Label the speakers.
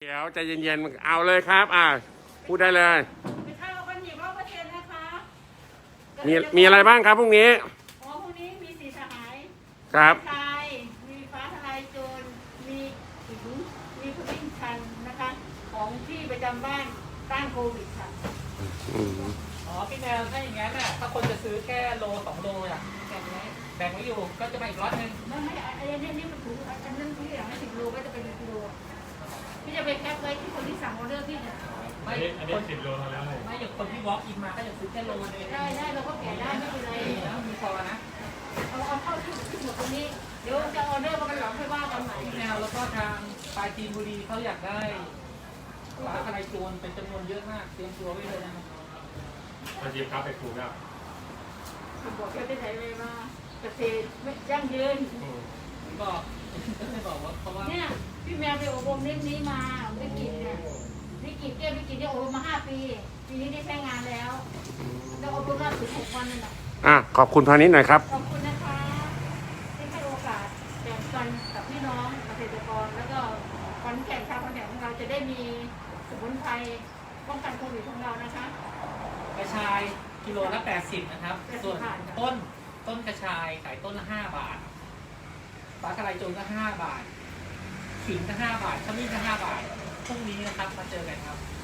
Speaker 1: เดี๋ยวใจเย็นๆเอาเลยครับพูดได้เลย
Speaker 2: เป็นข้าวกันหยิบ100%นะคะ
Speaker 1: มีอะไรบ้างครับพรุ่งนี้
Speaker 2: พรุ่งนี้มีสีสหาย
Speaker 1: ครับ
Speaker 2: ชายมีฟ้าทลายโจรมีขิงมีพุดดิ้งชันนะคะของที่ประจำบ้านต้านโควิดค่ะ
Speaker 3: พี่แนวถ้าอย่างนั้นน่ะถ้าคนจะซื้อแค่โล2 โลอ่ะแบ่งไว้อยู่ก็จะมาอีก100
Speaker 2: ไม่อันนี้มันถูกอันนั้นที่อย่างให้10 โลก็จะเป็นกิโลพี่จะไปแคปไว้ที่คนที่สั่งออเดอร์พี่เนี่ย
Speaker 3: ไม่อันนี้10 โลแล้วไม่อย่างคนที่วอล์กอินมาก็จะซื้อแค่โลนึง
Speaker 2: ได้เราก็แกะได้ไม่เป็นไร
Speaker 3: แล้วมีพอนะ
Speaker 2: เอาเข้าที่หมดตรงนี้เดี๋ยวจะออเดอร์มันหลังค่อยว่ากันใหม่
Speaker 3: พี่แนวแล้วก็ทางปลายจีนบุรีเขาอยากได้ฟ้าทลายโจรเป็นจำนวนเยอะมากเตรียมตัวไว้เลยนะครับ
Speaker 1: มาจีบครับไปครูครับ
Speaker 2: บอกแกจะไหนเลยมาเกษตรไม่ยั่งยืน
Speaker 3: ก็ไม่บอกว่าเพราะว่า
Speaker 2: เนี่ยพี่แมวไปอบรมเรื่องนี้มาวิกฤตเนี่ยวิกฤตเนี่ยอบรมมา5 ปีปีนี้ได้ใช้งานแล้วอบรมมาถึง6 วันนั่นแหละ
Speaker 1: ขอบคุณพานิชหน่อยครับ
Speaker 2: ขอบคุณนะคะที่ให้โอกาสแบ่งปันกับพี่น้องเกษตรกรแล้วก็ขอนแก่นชาวขอนแก่นของเราจะได้มีสมุนไพรป้องกันโควิดของเรานะคะ
Speaker 3: กระชายกิโลละ80นะครับส่วนต้นกระชายขายต้นละ5 บาทฟ้าทลายโจรก็5 บาทขิงก็5 บาทขมิ้นก็5 บาทพรุ่งนี้นะครับมาเจอกันครับ